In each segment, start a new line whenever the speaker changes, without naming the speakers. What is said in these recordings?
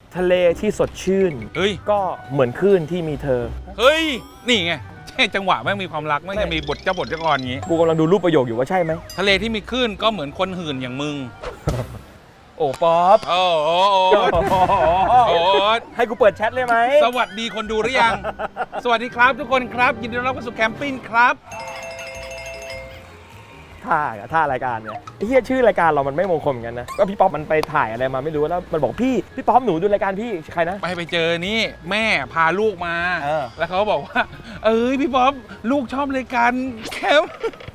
ทะเลที่สดชื่น
เฮ้ย
ก็เหมือนคลื่นที่มีเธอ
เฮ้ย นี่ไงใช่จังหวะแม่งมีความรักแม่งจะมีบทเจ้าบทเจ้ากรอย่างงี้
กูกำลังดูรูปประโยคอยู่ว่าใช่ไหม
ทะเลที่มีคลื่นก็เหมือนคนหื่นอย่างมึง
โอ้ป๊อป
โอ้โหโอ้
ให้กูเปิดแชทเลยไหม
สวัสดีคนดูหรือยัง สวัสดีครับทุกคนครับ ยินดีต้อนรับเข้าสู่แคมปิ้งครับ
ท่ารายการเนี่ยไอ้เฮียชื่อรายการเรามันไม่มงคลเหมือนกันนะก็พี่ป๊อปมันไปถ่ายอะไรมาไม่รู้แล้วมันบอกพี่ป๊อปหนูดูรายการพี่ใครนะ
ไปเจอนี่แม่พาลูกมา
เ
แล้วเขาบอกว่า พี่ป๊อปลูกชอบรายการแคมป์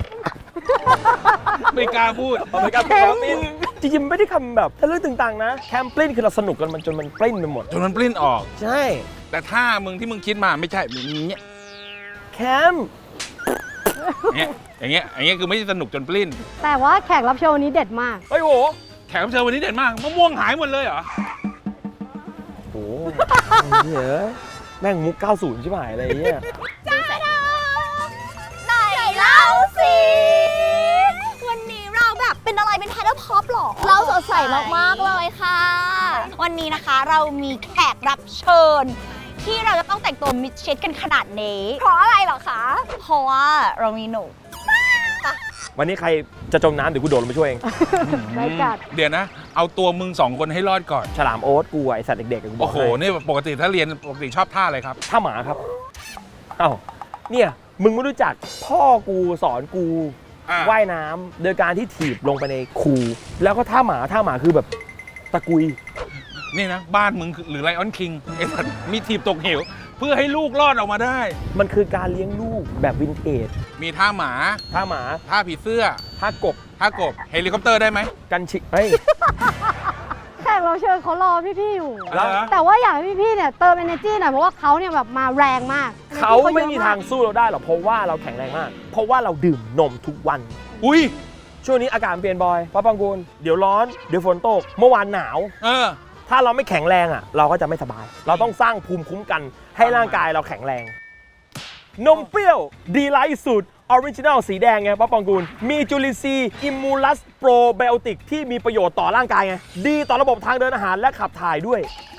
ไม่กล้าพูด
รายการแคมปิ้งจริงๆไม่ได้คำแบบทะลึ่งตึงตังนะแคมปิ้งคือเราสนุกกันมันจนมันปริ้นไปหมด
จนมันปลิ้นออก
ใช่
แต่ถ้ามึงที่มึงคิดมาไม่ใช่อย่างเงี้ย
แคมป์
อย่างเงี้ยคือไม่ใช่สนุกจนปลิ้น
แต่ว่าแขกรับเชิญวันนี้เด็ดมาก
เฮ้ยโห
แขกรับเชิญวันนี้เด่นมากมะม่วงหายหมดเลยเหรอ
โอ้โหเฮ้ยแม่งมุก 90 ใช่ไหมอะไรเงี้ย
ไหนเล่าสิ วันนี้เราแบบเป็นอะไรเป็นไทเดอร์พ็อปหรอ เราสดใสมากๆเลยค่ะ วันนี้นะคะเรามีแขกรับเชิญ ที่เราจะต้องแต่งตัวมิดชิดกันขนาดนี้ เพราะอะไรเหรอคะ เพราะว่าเรามีหนู
วันนี้ใครจะจมน้ำเดี๋ยวกูโดดลงไปช่วยเอง
ได้กัด
เดี๋ยวนะ เอาตัวมึงสองคนให้รอดก่อน
ฉลามโอ๊ตกูไอสัตว์เด็กๆกูบอ
โอ้
ก
โห
ให้
นี่ปกติถ้าเรียนปกติชอบท่าอะไรครับ
ท่าหมาครับเอ้าเนี่ยมึงไม่รู้จักพ่อกูสอนกู ว่ายน้ำโดยการที่ถีบลงไปในคูแล้วก็ท่าหมาคือแบบตะกุย
นี่นะ บ้านมึงหรือไลออนคิงไอ้สัตว์มีทีบตกเหวเพื่อให้ลูกรอดออกมาได้
มันคือการเลี้ยงลูกแบบวินเทจ
มีท่าหมา
ท่าหมา
ท่าผีเสื้อ
ท่ากบ
ท่ากบเฮลิคอปเตอร์ได้ไหม
กันชิเฮ้ย
แขกรับเชิญเขารอพี่ๆอยู่
แล้ว
แต่ว่าอยากให้พี่ๆเนี่ยเติม energy หน่อยเพราะว่าเขาเนี่ยแบบมาแรงมาก
เขาไม่มีทางสู้เราได้หรอกเพราะว่าเราแข็งแรงมาก เพราะว่าเราดื่มนมทุกวัน
อุ้ย
ช่วงนี้อากาศเปลี่ยนบ่อยป้าปังกูลเดี๋ยวร้อนเดี๋ยวฝนตกเมื่อวานหนาว ถ้าเราไม่แข็งแรงอ่ะเราก็จะไม่สบาย เราต้องสร้างภูมิคุ้มกันให้ร่างกายเราแข็งแรง นมเปรี้ยวดีไลท์สูตรออริจินัลสีแดงไงป้าปองกูลมีจุลินทรีย์อิมมูลัสโปรไบโอติกที่มีประโยชน์ต่อร่างกายไงดีต่อระบบทางเดินอาหารและขับถ่ายด้วย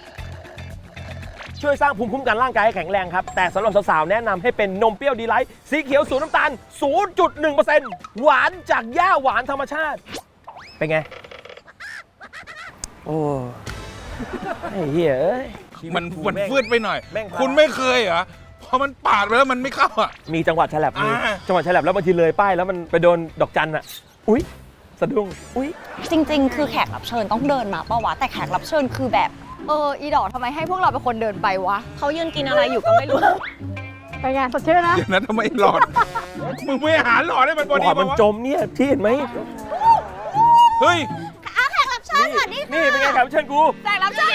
ช่วยสร้างภูมิคุ้มกันร่างกายให้แข็งแรงครับ แต่สำหรับสาวๆแนะนำให้เป็นนมเปรี้ยวดีไลท์สีเขียว0น้ำตาล 0.1% หวานจากหญ้าหวานธรรมชาติ เป็นไง โอ้ไอ้เหี้ยเอ้ย
มันฟืดไปหน่อย
แม่งพา
คุณไม่เคยเหรอพอมันปาดไปแล้วมันไม่เข้าอ่ะ
มีจังหวัดฉลับมี
อ่า
จังหวัดฉลับแล้วบางทีเลยป้ายแล้วมันไปโดนดอกจันอ่ะ อุ๊ย สะดุ้ง อุ๊ย
จริงๆ คือแขกรับเชิญต้องเดินมาปะวะ แต่แขกรับเชิญคือแบบ อีดอกทำไมให้พวกเราเป็นคนเดินไปวะ เขายืนกินอะไรอยู่ก็ไม่รู้
เป็นไงสดชื่นนะ
เดี๋ยวนะทำไมหลอด มึงไม่หาหลอดให้มันพอ
ห
ดี
อดมัน
ปะวะ
จมเนี่ยพี่เห็นไหม
เฮ้ย
แขกรับเชิญสวัสดีค่ะ
นี่เป็นไงแขกรับเชิญกู
แขกรับเชิญ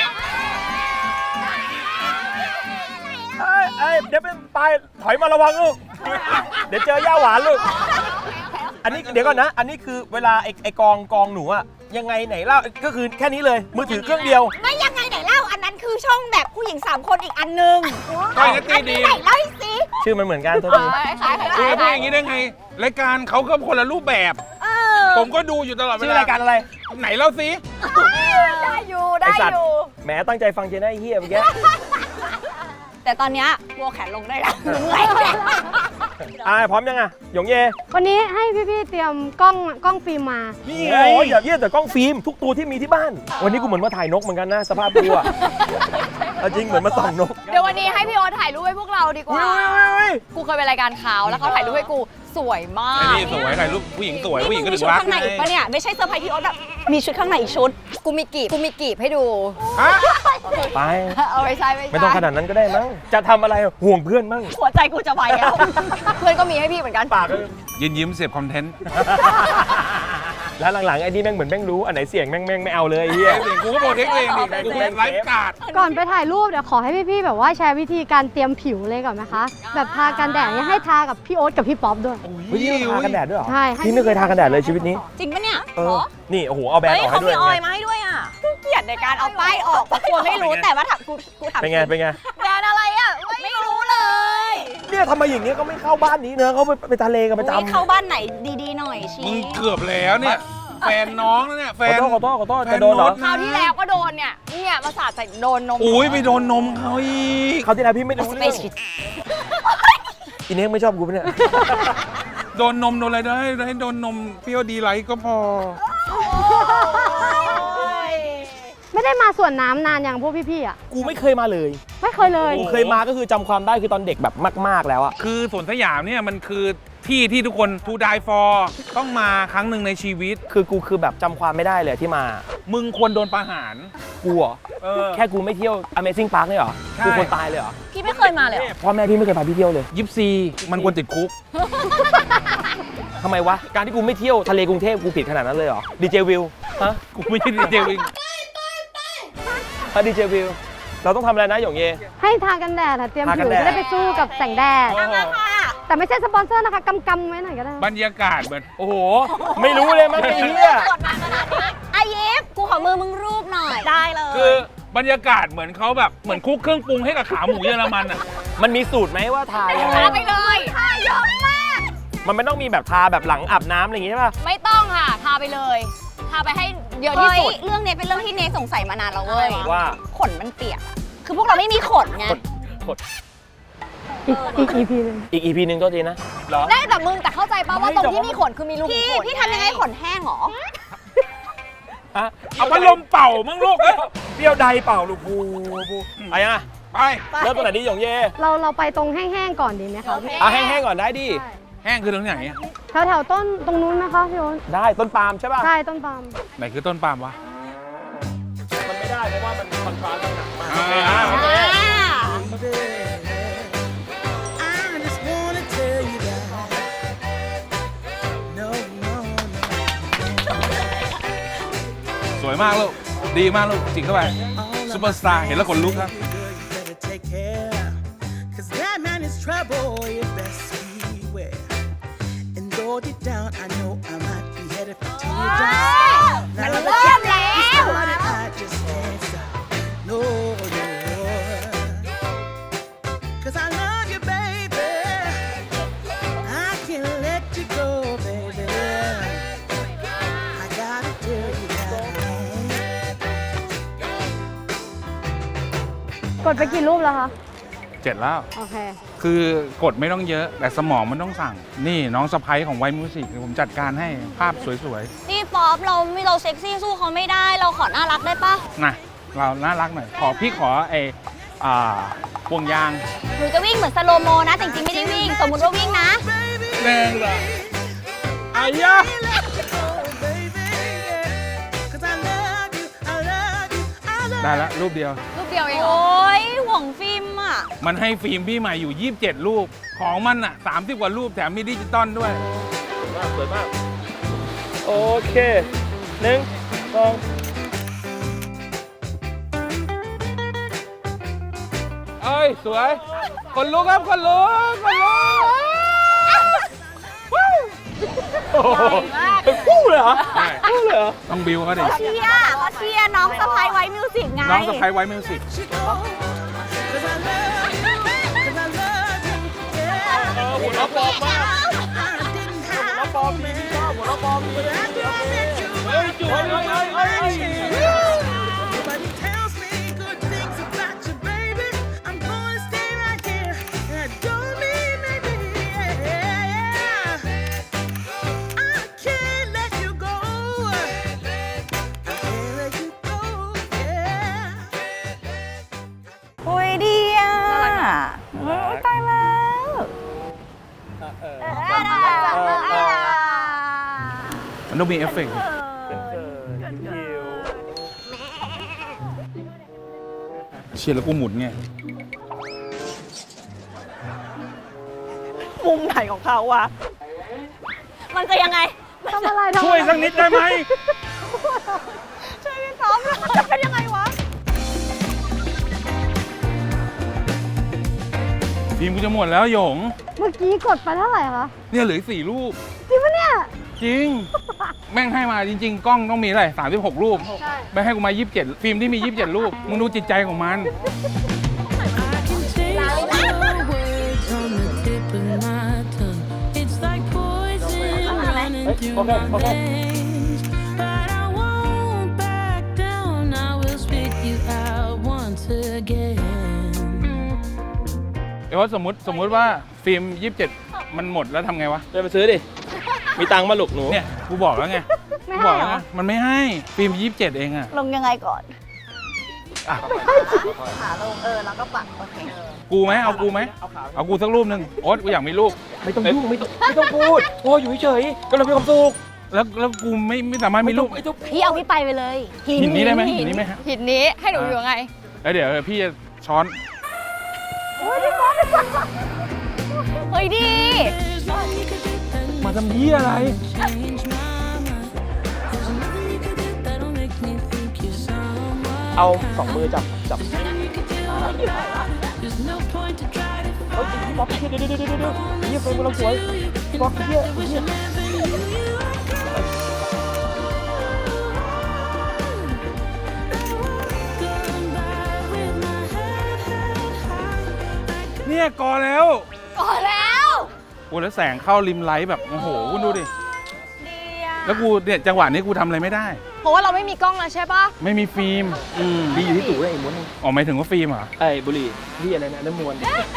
เอ้ยเดี๋ยวเป็นปลายถอยมาระวังลูก เดี๋ยวเจอย่าหวานลูก อันนี้เดี๋ยวก่อนนะ อันนี้คือเวลาไอ้กองหนูอะยังไงไหนเล่าก็คือแค่นี้เลย มือถือเครื่องเดียว
ไม่ยังไงไหนเล่า อันนั้นคือช่องแบบผู้หญิง 3 คนอีกอันนึง
ก้อยนัตตี้
อัน
ดี
นี้ไหนเล่าสิ
ชื่อมันเหมือนกันโทษที
คือพูดอย่างนี้ได้ไง รายการเขาก็คนละรูปแบบ ผมก็ดูอยู่ตลอดเว
ชื่อ
ลาร
ายการอะไร
ไหนเล่าสิ
ได้อยู่
ไอ
ได้
สั
อ
ตว์
ยู่
แหมตั้งใจฟังเจน่าไอ้เฮียเมื่อกี้
แต่ตอนเนี้ยวัวแขนลงได้แล้วเหนื่อย
พร้อมยังอะหยงเย
วันนี้ให้พี่ๆเตรียมกล้องฟิล์มมา
นี่ไง
โอ้ยอย่าเยี่ยแต่กล้องฟิล์มทุกตัวที่มีที่บ้าน วันนี้กูเหมือนมาถ่ายนกเหมือนกันนะสภาพกูอะเอาจริงเหมือนมาส่องนก
เดี๋ยววันนี้ให้พี่โอ๊ตถ่ายรูปให้พวกเราดีกว่า
อุ้ย
กูเคยไปรายการเขาแล้วเขาถ่ายรูปให้กูสวยมา
ไอ้
ก
นี่สวยถ่ายรูปผู้หญิงสวยผู้หญิงก็
มี
ถึง
ชุด
รัก
ข้างในอีกปะเนี่ย ไม่ใช่เซอร์ไพรส์พี่โอ๊ตแบบมีชุดข้างในอีกชุด
กูมีกีบให้ดู
ฮะ
ไป
เอาไปใช้
ไม่ต้องขนาดนั้นก็ได้มั้งจะทำอะไรห่วงเพื่อนมั้ง
หัวใจกูจะวายแล้ว
เพื่อนก็มีให้พี่เหมือนกัน
ปากก็
ยิ้มเสพคอนเทนต์
แล้วหลังๆไอ้นี่แม่งเหมือนแม่งรู้อันไหนเสียงแม่งไม่เอาเลยไอ้เฮีย
เสียงกูก็โปรเทคเองดิกูเป็นไลฟ์การ์ด
ก่อนไปถ่ายรูปเดี๋ยวขอให้พี่ๆแบบว่าแชร์วิธีการเตรียมผิวเลยก่อนนะคะ แบบทากันแดดเนี่ยให้ทากับพี่โอ๊ตกับพี่ป๊อปด้วย
เฮ้ยนี่เราทากันแดดด้วยเหรอ
ใช่
พี่ไม่เคยทากันแดดเลยชีวิตนี้
จริงปะเนี่ย
เออนี่โอ้โหเอาแบรนด์ออกให้ด้วย
มาให้ด้วยอ่ะเกลียดในการเอาป้ายออกเพราะกลัวไม่รู้แต่ว่าถามกูถาม
เป็นไงเป็นไง
แบรนด์อะไรอ่ะไม่รู้เลย
เนี่ยทำไมอย่างเงี้ยก็ไม่เข้าบ้านนี้เนอะเขาไปทะเลกันประจำ
เข้าบ้านไหนดีๆหน่อยชี
มึงเกือบแล้วเนี่ยแฟนน้องนะเนี่ยแฟน
ขอโทษจะโดนเหรอ
คราวที่แล้วก็โดนเนี่ยมาสาดใส่โดนนม
อุ้ยไปโดนนมเขาอีก
เขาวที่แล้วพี่ไม่รู้เรื่องอินเน็กไม่ชอบกูปะเนี่ย
โดนนมโดนอะไรได้ให้โดนนมเปรี้ยวดีไลท์ก็พอ
ไม่ได้มาสวนน้ำนานอย่างพวกพี่ๆอ่ะ
กูไม่เคยมาเลย
ไม่เคยเลย
กูเคยมาก็คือจำความได้คือตอนเด็กแบบมากๆแล้วอะ
คือสวนสยามเนี่ยมันคือที่ที่ทุกคน to die for ต้องมาครั้งหนึ่งในชีวิต
คือกูคือแบบจำความไม่ได้เลยที่มา
มึงควรโดนประหาร
กูเหรอ
เออ
แค่กูไม่เที่ยว Amazing Park เนี่ยเหรอ
ใช่
กูควรตายเลยเหรอ
พี่ไม่เคยมาเลยเหรอ
พ่อแม่พี่ไม่เคยพาพี่เที่ยวเลย
ยิปซีมันควรติดคุก
ทำไมวะ การที่กูไม่เที่ยวทะเลกรุงเทพกูผิดขนาดนั้นเลยเหรอดีเจวิวฮะ
กูไม่ใช่ดีเจวิง
ดีเจวิวเราต้องทำอะไรนะหยงเย
ให้ทากันแดดอะเตรียม
ทากั
ผิ
น
ว
แดด
จะได้ไปสู้กับแสงแดด
โอ้โห
แต่ไม่ใช่สปอนเซอร์นะคะกำไว้หน่อยก็ได้
บรรยากาศเหมือน
โอ้โห ไม่รู้เลยมั้งไอ้เหี้ย
กดมาขนาดนี้อายิปกูขอมือมึงรูปหน่อย ได้เลย
คือบรรยากาศเหมือนเขาแบบเหมือนคุกเครื่องปรุงให้กับขาหมูเยอรมันอ่ะ
มันมีสูตรไหมว่าทายังไง
ทาไปเลย
ทาเยอะมาก
มันไม่ต้องมีแบบทาแบบหลังอาบน้ำอะไรอย่างงี้ใช่ป่ะ
ไม่ต้องค่ะทาไปเลยทาไปให้เยอะที่
เฮ้ย
สุด
เรื่องนี้เป็นเรื่องที่เนสสงสัยมานานแล้วเว้ย
ว่า
ขนมันเปียกอะคือพวกเราไม่มีขนไง
กด
อีก EP นึง
อีก EP นึงก็ทีนะเหรอ
ได้แต่มึงแต่เข้าใจป่ะว่าตรงที่มีขนคือมีรูขุม
พี่
ขน
พี่ทำยังไงขนแห้งเหรอ
ฮะ
เอาพัดลมเป่ามั่งลูกเอ้ย
เปรี้ยวใดเปล่าลูกบูเอายังอะ
ไป
เริ่มตรงไหนดีหยงเย
เราไปตรงแห้งๆก่อนดีไหมคะพี่
เอาแห้งๆก่อนได้ดิ
แห้งคือตรงไหนอะ
แถวๆต้นตรงนู้นนะคะพี่โอ๊ต
ได้ต้นปาล์มใช่ป่ะ
ใช่ต้นปาล์ม
ไหนคือต้นปาล์มวะ
มันไม่ได้เพราะว่ามันคอนทราสต์กันหนักมาก
อ่า
โอเค
I just wanna tell you that. No, no, no.
สวยมากลูก ดีมากลูก จิกเข้าไป ซุปเปอร์สตาร์เห็นแล้วขนลุกครับ
You better take care. 'Cause that man is trouble, you best beware. And though deep down, I know I might be headed for teardrops.
มันเริ่มแล้ว
I just can't stop. No, no. 'Cause I love you, baby. I can't let you go, baby. I gotta tell you that.
กดไปกี่รูปแล้วคะ
เจ็ดแล้ว
โอเค
คือกดไม่ต้องเยอะ แต่สมองมันต้องสั่ง นี่น้องสะพ้ยของไวมิวสิกผมจัดการให้ภาพสวย
นี่ป๊อปเราเซ็กซี่สู้เขาไม่ได้ เราขอน่ารักได้ปะ
ๆ นะ เราน่ารักหน่อย พี่ขอพวงยาง
หนูจะวิ่งเหมือนสโลโมนะแต่จริงๆไม่ได้วิ่ง สมมติว่าวิ่งนะ
แรงเหรออายะ
'Cause I love you, I love you, I love
ได้แล้วรูปเดียว
รูปเดียวเองเหร
โอ้
อย
ห่วงฟิล์มอ่ะ
มันให้ฟิล์มพี่ใหม่อยู่ 27 รูป ของมันอ่ะ 30 กว่ารูปแถมมีดิจิตอลด้วย
สวยมาก โอเคหนึ่งสอง
เอ้ย สวย คนลุกครับ คนลุก คนลุก
โอ้โหเป็นคู่เลยเหรอ
ใช่
คู่เลยเหรอ
ต้องบิวเขาดิ
เขาเชียร์น้องสะพายไว้มิวสิกไง
น้องสะพ้ยไว้มิวสิก
'Cause I love you, 'cause I love you, yeah.
หัวเราะปลอมมาก
I didn't
หัว
have
เราะปลอมมีพี่ชอบหัวเราะปลอมมี
After I met you,
เฮ้ยจุ๊ยเฮ้ย
nobody tells me good things about you, baby. I'm gonna stay right here, and I don't mean maybe. I can't let you go. I can't let you go, yeah.
โอ้ยดีอ่ะโอ้ยตายแล้ว
มันต้องมีเอฟเฟกต์เชียร์แล้วกูหมุนไง
มุมไหนของเขาวะ มันจะยังไง
ทำอะไร
ช่วยสักนิดได้ไหม
ช่วยพี่ป๊อปหน่อยจะเป็นยังไงวะ
ทีมกูจะหมดแล้วหยง
เมื่อกี้กดไปเท่าไหร่คะ
เนี่ยเหลืออีก4 รูป
จริงปะเนี่ย
จริง แม่งให้มาจริง ๆ กล้องต้องมีอะไร36 รูป
ใช่
ไม่ให้กูมา 27 ฟิล์มที่มี 27 รูป มึงดูจิตใจของมัน
I can taste your words on the tip of my tongue. It's like poison running through my veins. again.
เอ้ยสมมติว่าฟิล์ม 27 มันหมดแล้วทำไงวะ
เดินไปซื้อดิ มีตังค์มาหลุกหนู
เนี่ยกูบอกแล้วไง
ไม่
กู
ให้
บอก
เหร
แล้ว
อ
ไงมันไม่ให้ฟิล์ม 27 เองอะ
ลงยังไงก่อน
อ่ะ
ขาลงแล้วก็ปักโอเค
กูไหมเอากูไหมเอากูสักรูปหนึ่งโอ๊ตกูอยากมีรูป
ไม่ต้องยุ่งไม่ต้องพูด โอ้ยอยู่เฉยๆก็เรามีความสุข
แล้วกูไม่สามารถมีรูป
ไม่ต้อง
พี่เอาพี่ไปไปเลย
หินนี้ได้ไหมหินนี้ไหมฮะ
หินนี้ให้หนูอยู่ยังไง
แล้วเดี๋ยวพี่จะช้อน
เฮ้ยดี
There's nothing you could do that
มาทำเหี้ยอะไร
change my mind. There's nothing you could do that'll make me think you're someone.
เอาสองมือจับ
Nothing you could do. There's no point to try to
เฮ้ยพี่ป๊อปเดี๋ยวเฮียเฟรมกำลังสวยพี่ป๊อปเฮีย
wish I never knew you. Going by with my head held high.
เนี่ยก่อแล้ว
ก่อนแล้ว
กูแล้วแสงเข้าริมไลท์แบบโอ้โหคุณดูดิ
ดีอะ
แล้วกูเนี่ยจังหวะนี้กูทำอะไรไม่ได้
เพราะว่าเราไม่มีกล้องแล้วใช่ปะ
ไม่มีฟิล์ม
ดีอยู่ที่ตู่ไอ้ม้วน
อ๋อหมายถึงว่าฟิล์มเหรอ
ไอ้บุหรี่ที่อะไรนะน้ำมวน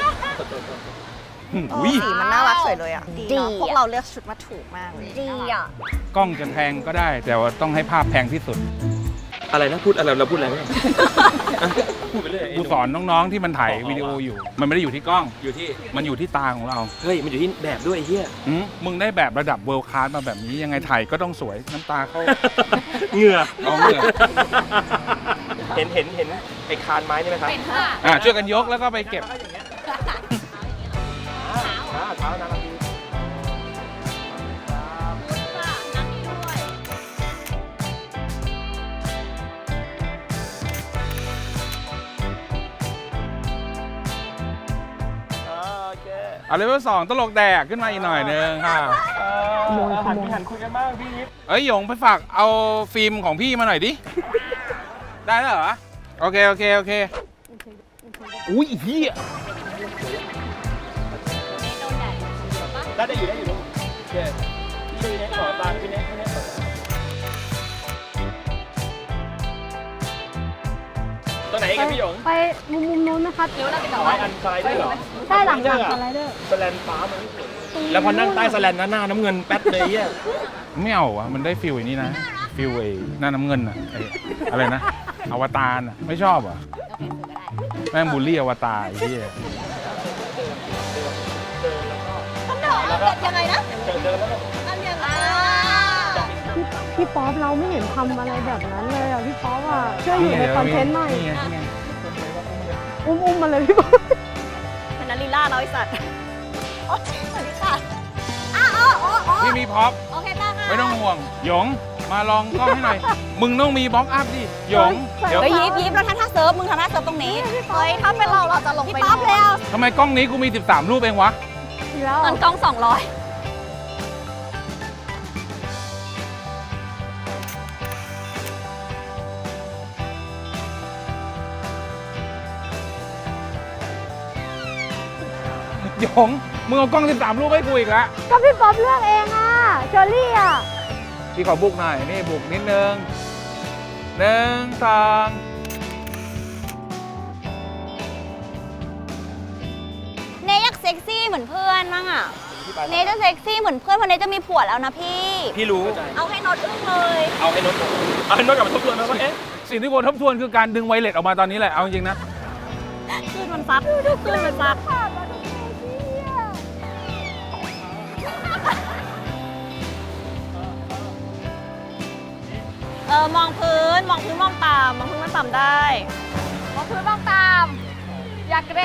อุ้ย
สีมันน่ารักสวยเลยอ่ะ ดีเนาะพวกเราเลือกชุดมาถูกมากเลย
ดีอ่ะ
กล้องจะแพงก็ได้ แต่ว่าต้องให้ภาพแพงที่สุด
อะไรนะพูดอะไรเราพูดอะไรไม่พูดไปเรื่อย
กูสอนน้องๆที่มันถ่ายวิดีโออยู่ มันไม่ได้อยู่ที่กล้อง
อยู่ที่
มันอยู่ที่ตาของเรา
เฮ้ยมันอยู่ที่แบบด้วยไอ้เหี้ย
มึงได้แบบระดับเวิลด์คลาสมาแบบนี้ยังไงถ่ายก็ต้องสวยน้ำตาเข้า
เหงื่อ
เอาเหงื่อ
เห็นไอ้คานไม้นี่ไหมครับ
เป็นค่ะ
ช่วยกันยกแล้วก็ไปเก็บ
เท้านะครับพี่ โอเค
เอาเลเวล2ตลกแดกขึ้นมาอีกหน่อยนึงค่ะ
หันคุยกันบ้างพี่นิด
เอ้ยหยงไปฝากเอาฟิล์มของพี่มาหน่อยดิ ได้แล้วเหรอ โอเค
อุ้ยเหี้ยได้อยู่ลูกโอเคพี่เน็ตขอตาพี่เน็ตขอตาตัวไหนกันพี่หยง
ไปมุมนู้นนะครับ
หรือว่าเราไปต่อ
ไว้อันสไลเดอร์เหรอ
ใช่หลังจากสไลเดอร์
สแลนฟ้ามันไม่สวยแล้วพอนั่งใต้สแลนหน้าน้ำเงินแป๊ดเลยเหี้ย
ไม่เอาอะมันได้ฟิลอย่างนี้นะ ฟิลไอ้หน้าน้ำเงินอะไอ้อะไรนะ อวตารอะไม่ชอบอะแม่งบูลลี่อวตารไอ้เหี้ย
ยังไงนะ
เดินแล้วก็
พี่ป๊อปเราไม่เห็นทำอะไรแบบนั้นเลยอ่ะพี่ป๊อปอ่ะช่วยอยู่ในคอนเทนต์หน่อย
นี่ไง
อุ้มมาเลยพี่ป๊อป
เป็นนาริล่าเราไอสัตว์โอ๊ยสวัสดีค่ะ
พี่มีพ็อป
โอเคได้ค่ะ
ไม่ต้องห่วง หยงมาลองกล้องให้หน่อย มึงต้องมีบล็อกอัพดิ หยง เดี๋ยว
เฮ้ยยิบเราทำท่าเซิร์ฟ มึงทำท่าเซิร์ฟตรงนี้ เฮ้ย ถ้าเป็นเราจะลงไปพี่ป๊อปแล้ว
ทำไมกล้องนี้กูมี 13 รูปเองวะ
อีกแล้ว
ตอนกล้อง 200
หยง มึงเอากล้อง 13 รูปให้กูอีกแล้ว
ก็พี่ป๊อปเลือกเองอ่ะเชอรี่อ่ะ
พี่ขอบุกหน่อย นี่บุกนิดนึง1 2
เนยอยากเซ็กซี่เหมือนเพื่อนมั้งอ่ะ เนยจะเซ็กซี่เหมือนเพื่อนเพราะเนยจะมีผัวแล้วนะพี่
พี่รู้
เอาให้โนตอึ้งเลย
เอาให้นดกลับมาทบทวนนะว่าเอ๊ะ
สิ่งที่ควรทบทวนคือการดึงไวเลสออกมาตอนนี้แหละ เอาจริงๆนะ
คลื่นมันซัดคลื่นมันซัดมองพื้น มองพื้นมองต่ำมองพื้นมันต่ำได้
มองพื้นมองตาม อย่าเกรง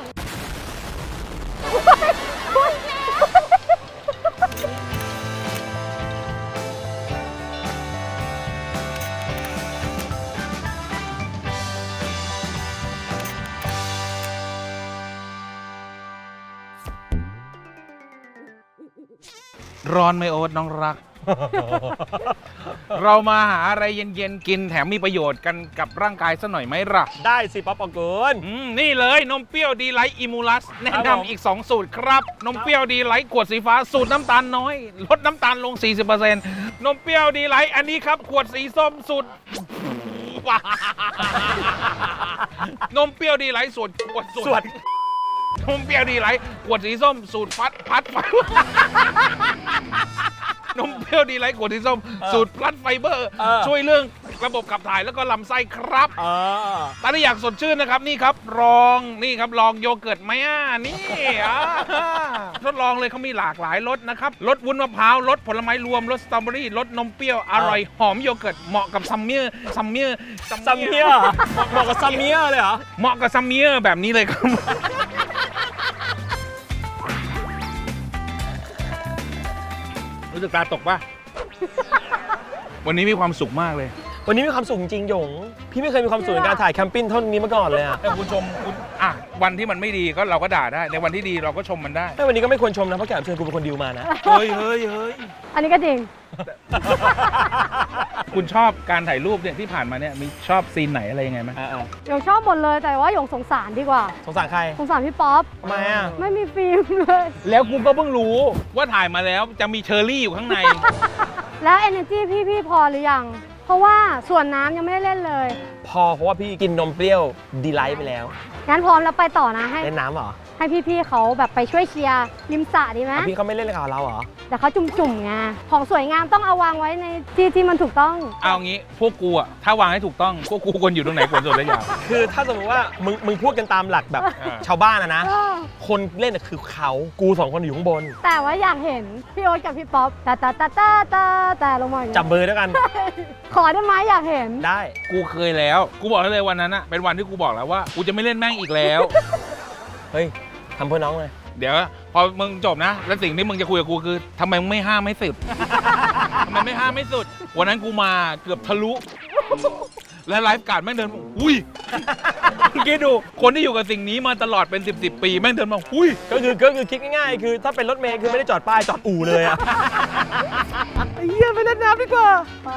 ร้อนไหมโอ๊ตน้องรัก เรามาหาอะไรเย็นๆกินแถมมีประโยชน์กันกับร่างกายซะหน่อยไหมล่ะ
ได้สิป๊อปปองกูล
นี่เลยนมเปรี้ยวดีไลท์อิมูลัสแนะ
ครับผม
นำอีก 2 สูตรครับ นมเปรี้ยวดีไลท์ขวดสีฟ้าสูตรน้ำตาลน้อย ลดน้ำตาลลง 40%นมเปรี้ยวดีไลท์อันนี้ครับ ขวดสีส้มสูตรนมเปรี้ยวดีไลท์สูตรขวด
ส่วน
นมเปรี้ยวดีไลท์ขวดสีส้มสูตรพัดไฟนมเปรี้ยวดีไลท์ขวดสีส้มสูตรพลัดไฟเบอร์ ช่วยเรื่องระบบขับถ่ายแล้วก็ลำไส้ครับถ้าอยากสดชื่นนะครับนี่ครับลองโยเกิร์ตไหมนี่ทดลองเลยเขามีหลากหลายรสนะครับรสวุ้นมะพร้าวรสผลไม้รวมรสสตรอเบอรี่รสนมเปรี้ยวอร่อยหอมโยเกิร์ตเหมาะกับซัมเมอร์
ซัมเมียร์เหมาะกับซัมเมียร์เลยเหรอ
เหมาะกับซัมเมอร์แบบนี้เลยครับ รู้สึกตาตกป่ะ วันนี้มีความสุขมากเลย
วันนี้มีความสุขจริงๆหยง พี่ไม่เคยมีความสุขในการถ่ายแคมปิ้งเท่านี้มาก่อนเลยอะ
แต่คุณชมคุณวันที่มันไม่ดีก็เราก็ด่าได้ในวันที่ดีเราก็ชมมันได้
แต่วันนี้ก็ไม่ควรชมนะเพราะแขกรับเชิญกูเป็นคนดิวมานะ
เฮ้ย
อันนี้ก็จริง
คุณชอบการถ่ายรูปเนี่ยที่ผ่านมาเนี่ยมีชอบซีนไหนอะไรยังไงไหม
หยงชอบหมดเลยแต่ว่าหยงสงสารดีกว่า
สงสารใคร
สงสารพี่ป๊อป
ทำไมอ่ะ
ไม่มีฟิล์มเลย
แล้วกูก็เพิ่งรู้ว่าถ่ายมาแล้วจะมีเชอร์รี่อยู่ข้างใน
แล้ว energy พี่พอหรือยัง เพราะว่าส่วนน้ำยังไม่ได้เล่นเลย
พอเพราะว่าพี่กินนมเปรี้ยวดีไลท์ไปแล้ว
งั้นพร้อมแล้วไปต่อนะให้
เล่นน้ำเหรอ
ให้พี่ๆเขาแบบไปช่วยเชียร์ริมสระดีไหม
พี่เขาไม่เล่นกับเราเหรอ
แต่เขาจุ่มๆไงของสวยงามต้องเอาวางไว้ในที่ที่มันถูกต้อง
เอางี้พวกกูอะถ้าวางให้ถูกต้องพวกกูควรอยู่ตรงไหนควรสุดได้ยาว
คือถ้าสมมติว่ามึงพูดกันตามหลักแบบ ชาวบ้านนะ คนเล่นน่ะคือเขากูสองคนอยู่ข้างบน
แต่ว่าอยากเห็นพี่โอ๊ตกับพี่ป๊อปแต่ลงมาอย่าง
จับ
นี้
มือด้วยกัน
ขอได้ไหมอยากเห็น
ได้
กูเคยแล้วกูบอกได้เลยวันนั้นอะเป็นวันที่กูบอกแล้วว่ากูจะไม่เล่นแม่งอีกแล้ว
เฮ้ยทำเพื่อน้องเลย
เดี๋ยวพอมึงจบนะ แล้วสิ่งที่มึงจะคุยกับกูคือทำไมมึงไม่ห้ามไม่สุด ทำไมไม่ห้ามไม่สุด วันนั้นกูมาเกือบทะลุ และไลฟ์การ์ดแม่งเดินมาอุ้ยคิดดูคนที่อยู่กับสิ่งนี้มาตลอดเป็น10 ปีแม่งเดินมาอุ้ย
ก็คือคิดง่ายๆ คือถ้าเป็นรถเมล์คือไม่ได้จอดป้ายจอดอู่เลยอะไอ้เหี้ยไปเล่นน้ำดีกว่า
ไป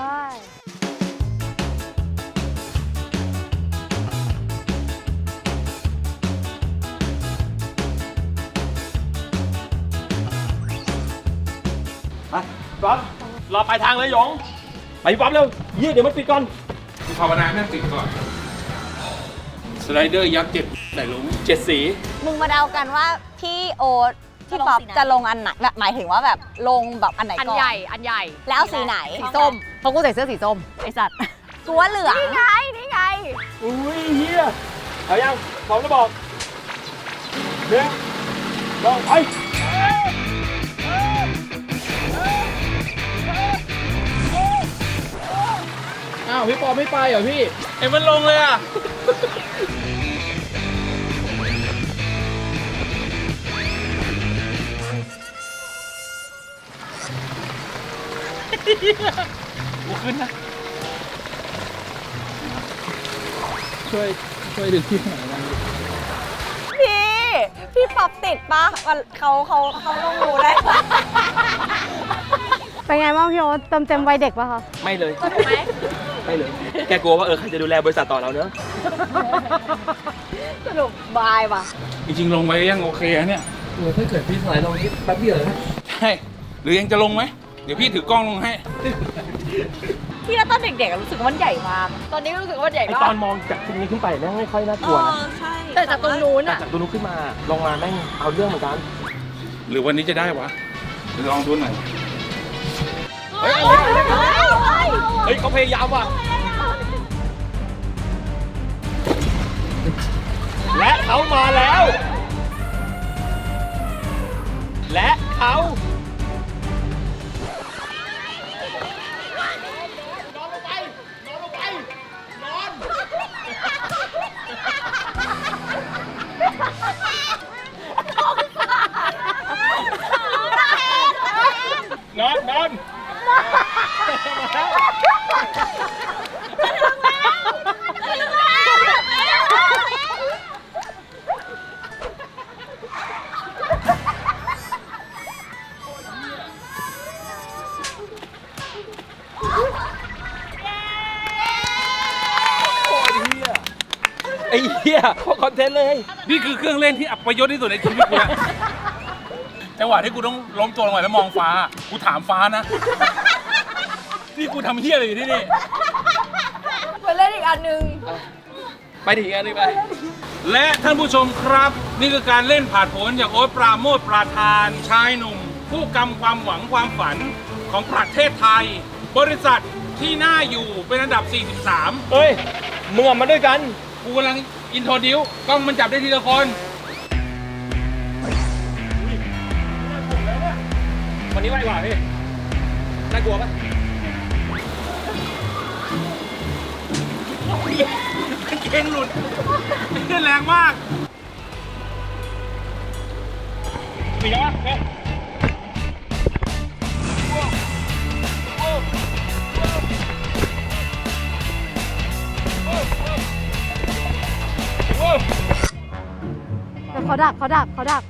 ไปป๊อปรอปลายทางเลยหยง ไปป๊อปเร็วเดี๋ยวมันปิดก่อน
กูภาวนาแม่งติดก่อนสไลเดอร์ยักษ์7ไหนลง
7 สี
มึงมาเดากันว่าพี่โอ๊ตพี่ป๊อปจะลงอันไหนแบบหมายถึงว่าแบบลงแบบอันไหน
อัน
ก่อน
ใหญ่ อันใหญ่
แล้วสีไหน
สีส้ม เพราะกูใส่เสื้อสีส้ม
ไอสัตว์กูว่าเหลือง
นี่ไง นี่ไง
อุ้ยเฮียเอายังพร้อมแล้วบอกหนึ่งสองไป
อ้าวพี่ปอไม่ไปเหรอพี่เอ็มมันลงเลยอ่ะ กูขึ้นนะ ช่วยดึงที่ไหนนะ
พี่ป๊อปติดปะเขาลงรูได้ปะ
เป็นไงบ้างพี่โอ๊ตเต็มวัยเด็กปะคะ
ไม่เลยไม่เลย แกกลัวว่าใครจะดูแลบริษัทต่อเราเนอะ
สรุปบายว่ะ
จริงๆลงไปยังโอเคนะเนี่ยถ้าเกิดพี่สไลด์ลงนี่แป๊บเดียวนะใช่หรือยังจะลงไหมเดี๋ยวพี่ถือกล้องลงให้
พี่แล้วตอนเด็กๆรู้สึกว่ามันใหญ่มาก
ตอนนี้ก็รู้สึกว่าใหญ่
ไอ
มา
ตอก นมองจากตรงนี้ขึ้นไปแม่งไม่ค่อยน่ากลัวนะ
ใช่
แต่จากตรงนู้น
แต่
อ่ะ
จากตรงนู้นขึ้นมาลงมาแม่งเอาเรื่องเหมือนกัน
หรือวันนี้จะได้วะเดี๋ยวลองดูหน่อย
เฮ้ยเขาพยายามว่ะ และเขามาแล้ว และเขานอน ไอ้เหี้ยโคตรคอนเทนต์เลย
นี่คือเครื่องเล่นที่อัปยศที่สุดในชีวิตกูแล้วจังหวะที่กูต้องล้มตัวลงไปแล้วมองฟ้า กูถามฟ้านะ นี่กูทำเหี้ยอะไรอยู่ที่นี่
เหมือนเล่นอีกอันหนึ่ง
ไปถึงอันนี้ไป
และท่านผู้ชมครับ นี่คือการเล่นผาดโผนจากโอ๊ตปราโมทย์ปราธานชายหนุ่ม ผู้กำความหวังความฝันของประเทศไทย บริษัทที่น่าอยู่เป็นอันดับ 43
เฮ้ยมึงออกมาด้วยกัน
กูกำลังอินโทรดิวกล้องมันจับได้ทีละคน
วันนี้ไวกว่าพี่ น่ากลัวปะ
เก่งหลุดขึ้นแรงมาก
มีแล้วปะเนี่ย
แต่เขาดักเขาดักเขาดัก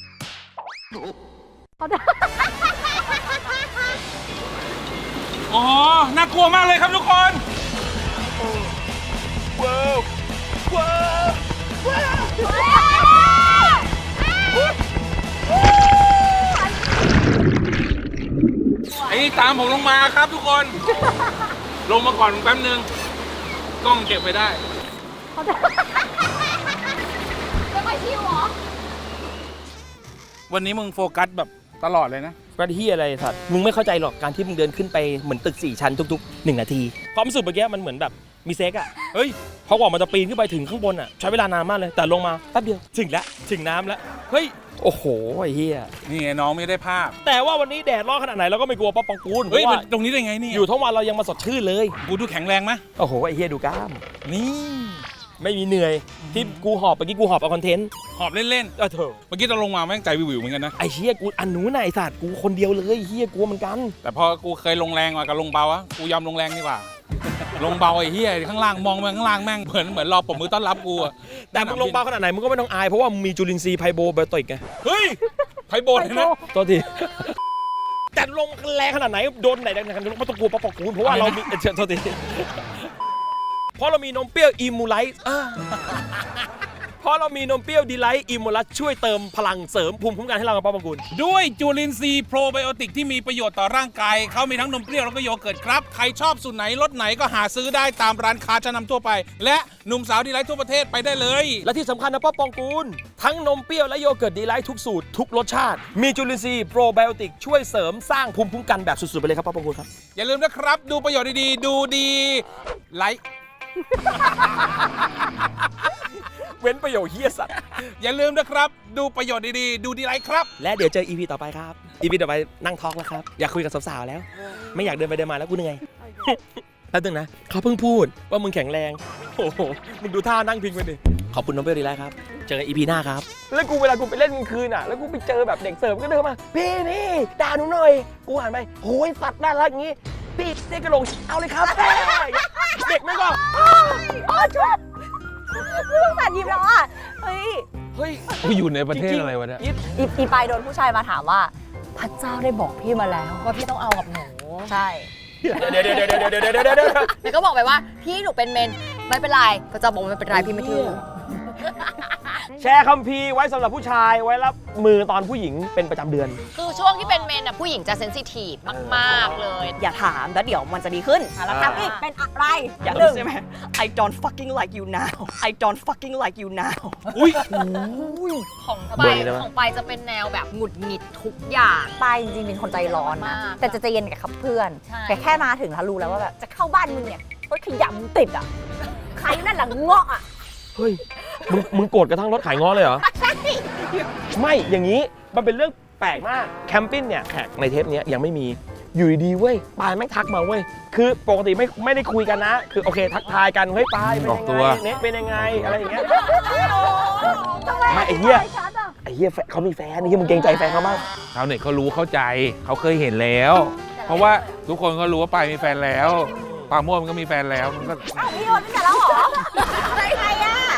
เขาดัก
อ๋อ น่ากลัวมากเลยครับทุกคน
ว้าวว้าว
ไอ้นี่ตามผมลงมาครับทุกคน ลงมาก่อนแป๊บนึง กล้องเก็บไว้ได้
เขาดัก
จะไปชิวเหรอ
วันนี้มึงโฟกัสแบบตลอดเลยนะ
กระที่อะไรสัตว์มึงไม่เข้าใจหรอกการที่มึงเดินขึ้นไปเหมือนตึก4 ชั้นทุกๆ1 นาทีความรู้สึกเมื่อกี้มันเหมือนแบบมีเซ็กอะเฮ้ยพอกว่ามันจะปีนขึ้นไปถึงข้างบนอะใช้เวลานานมากเลยแต่ลงมาแป๊บเดียวถึงแล้วถึงน้ำแล้วเฮ้ยโอ้โหไอ้เหี้ย
นี่ไงน้องไม่ได้ภาพ
แต่ว่าวันนี้แดดร้อนขนาดไหนเราก็ไม่กลัวป๊อปปองกูลเพ
เฮ้ย
ราะว่า
ตรงนี้ได้ไงเนี่ย
อยู่ทั้งวันเรายังมาสดชื่นเลย
กูดูแข็งแรงไหม
โอ้โหไอ้เหี้ยดูกล้าม
นี่
ไม่มีเหนื่อยที่กูหอบเมื่อกี้กูหอบเอาคอนเทนต์
หอบเล่น
เถอะ
ๆ เมื่อกี้ตอนลงมาแม่งใจวิวๆเหมือนกันนะ
ไอ้เหี้ยกูอันนู้นน่ะไอ้สัตว์กูคนเดียวเลยเหี้ยกลัวเหมือนกัน
แต่พอกูเคยลงแรงมากับลงเบาอะกูยอมลงแรงดีกว่า ลงเบาไอ้เหี้ยข้างล่างมองไปข้างล่างแม่งเหมือนรอปรบมือต้อนรับกูอะ
แต่มึงลงเบาขนาดไหนมึงก็ไม่ต้องอายเพราะว่ามึงมีจุลินทรีย์ไพโบไบโอติกไง
เฮ้ยไพโบนเลยนะ
ตัวที แต่ลงแรงขนาดไหนโดนไหนแรงขนาดไหนไม่ต้องกลัวป๊อปปองกูลเพราะว่าเรามีโทษทีเพราะเรามีนมเปรี้ยวอิมูไลท์เพราะเรามีนมเปรี้ยวดีไลท์อิมูลัสช่วยเติมพลังเสริมภูมิคุ้มกันให้เรากับป๊อปปองกูล
ด้วยจุลินทรีย์โปรไบโอติกที่มีประโยชน์ต่อร่างกายเขามีทั้งนมเปรี้ยวแล้วก็โยเกิร์ตครับ ใครชอบสูตรไหนรสไหนก็หาซื้อได้ตามร้านค้าชั้นนำทั่วไป และหนุ่มสาวดีไลท์ทั่วประเทศไปได้เลย
และที่สำคัญนะป๊อปปองกูลทั้งนมเปรี้ยวและโยเกิร์ตดีไลท์ทุกสูตรทุกรสชาติมีจุลินทรีย์โปรไบโอติกช่วยเสริมสร้างภูมิคุ้มกันแบบสุดๆไปเลยครับป๊อปปองกูลครับ
อย่าลืมนะครับ ดูประโยชน์ดีๆ ดูดีไลค์
เว้นประโยชน์เฮียสัตว์
อย่าลืมนะครับ ดูประโยชน์ดีๆ ดูดีไลค์ครับ
และเดี๋ยวเจอ EP ต่อไปครับ EP ต่อไปนั่งทอล์กแล้วครับอยากคุยกับสาวๆแล้ว ไม่อยากเดินไปเดินมาแล้วกูเหนื่อย แล้วตึงนะเขาเพิ่งพูดว่ามึงแข็งแรงโอ้โหมึงดูท่านั่งพิงไปดิขอบคุณน้องเบลดีแล้วครับเจอกัน EP หน้าครับแล้วกูเวลากูไปเล่นกลางคืนอ่ะแล้วกูไปเจอแบบเด็กเสิร์ฟก็เดินมาพี่ด่าหนูหน่อยกูหันไปโอ้ยสัตว์น่ารักอย่างงี้พี่เด็กกระโหลกเอาเลยครับเด็กไม่ก็
โอ้ช่วยลูกสัตว์ยิ้มแล้วอ่ะ เฮ้ย
เฮ้ย
กูอยู่ในประเทศอะไรวะเนี่ย
อีปายโดนผู้ชายมาถามว่า พระเจ้าได้บอกพี่มาแล้วว่าพี่ต้องเอากับหนู ใช่
เดี๋ยว
แล้วก็บอกไปว่าพี่หนูเป็นเมนไม่เป็นไรพระเจ้าบอกว่าไม่เป็นไรพี่ไม่ถือ
แชร์คัมภีร์ไว้สำหรับผู้ชายไว้รับมือตอนผู้หญิงเป็นประจำเดือน
คือช่วงที่เป็นเมนน่ะผู้หญิงจะเซนซิทีฟมากๆเลย
อย่าถามแล้วเดี๋ยวมันจะดีขึ้นแล้วถามอีกเป็นอะไร อย่างหนึ่งใช่ไหม I don't fucking like you now I don't fucking like you now
อุ้ย
ของ
เบ
ไป
อร์นี้ได้ปะ
ของไปจะเป็นแนวแบบหงุดหงิดทุกอย่าง
ปายจริงๆเป็นคนใจร้อนนะ
มาก
แต่จะใจเย็นกับเพื่อน
ใช่
แต่แค่มาถึงแล้วรู้แล้วว่าแบบจะเข้าบ้านมึงเนี่ยรถขยะมึงติดอ่ะ ใครนั่นหลังเงาะอ่ะ
เฮ้ยมึงโกรธกระทั่งรถขายง้อเลยเหรอ ไม่อย่างนี้มันเป็นเรื่องแปลกมากแคมปิ้งเนี่ยแขกในเทปเนี้ยยังไม่มีอยู่ดีๆเว้ยปายแม่งทักมาเว้ยคือปกติไม่ได้คุยกันนะ คือโอเคทักทายกันเฮ้ยปายเป็น
ออก
ยัง
ตั
ไง
ว
เน็ตเป็นยังไงอะไรอย่างเงี้ยไม่ไอ้เหี้ยเขามีแฟนไอ้เหี้ยมึงเกรงใจแฟนเขาบ้าง
ชาวเน็ตเขารู้เข้าใจเขาเคยเห็นแล้ว เพราะว่าทุกคนก็รู้ว่าปายมีแฟนแล้วปาโมดมันก็มีแฟนแล้วมันก็
อ้าวพี่โยนตั้งแต่แล้วเหรอใครอ่ะ